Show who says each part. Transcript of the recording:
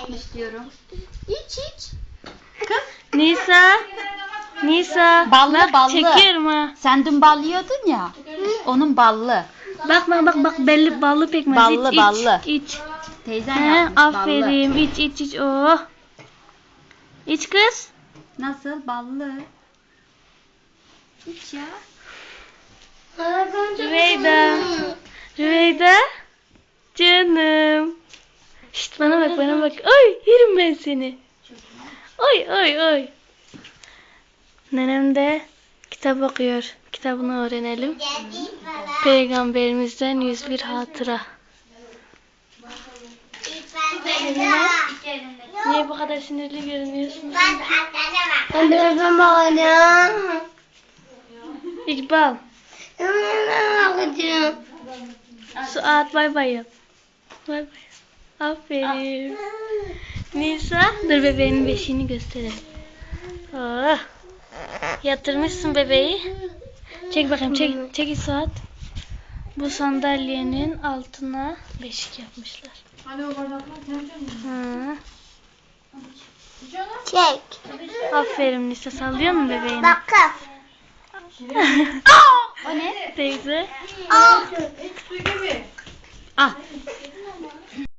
Speaker 1: çok istiyorum. İç.
Speaker 2: Nisa.
Speaker 1: Ballı,
Speaker 2: bak,
Speaker 1: ballı.
Speaker 2: çekiyorum ha.
Speaker 1: Sen dün bal yiyordun ya. Onun ballı.
Speaker 2: Bak belli ballı pekmez.
Speaker 1: Ballı, ballı.
Speaker 2: İç.
Speaker 1: Teyzen
Speaker 2: He,
Speaker 1: yapmış ballı.
Speaker 2: aferin. İç. Oh. İç kız.
Speaker 1: Nasıl? Ballı. İç ya.
Speaker 2: Rüveyda. Canım. Şşt bana bak. Ay yerim ben seni. Oy. Nenem de kitap okuyor. Kitabını öğrenelim. Peygamberimizden 101 hatıra. Niye bu kadar sinirli görünüyorsun? İkbal. Suat bay bay yap. Bay. Aferin. Nisa. Dur bebeğinin beşiğini gösterelim. Oh. Yatırmışsın bebeği. Çek bakayım çek Suat. Bu sandalyenin altına beşik yapmışlar.
Speaker 3: Hani o bardaklar
Speaker 2: Hı.
Speaker 4: Çek.
Speaker 2: Aferin Nisa, sallıyor mu bebeğini?
Speaker 4: Bakın.
Speaker 1: O ne?
Speaker 2: Teyze.
Speaker 4: Al.
Speaker 3: Su gibi.
Speaker 1: Al.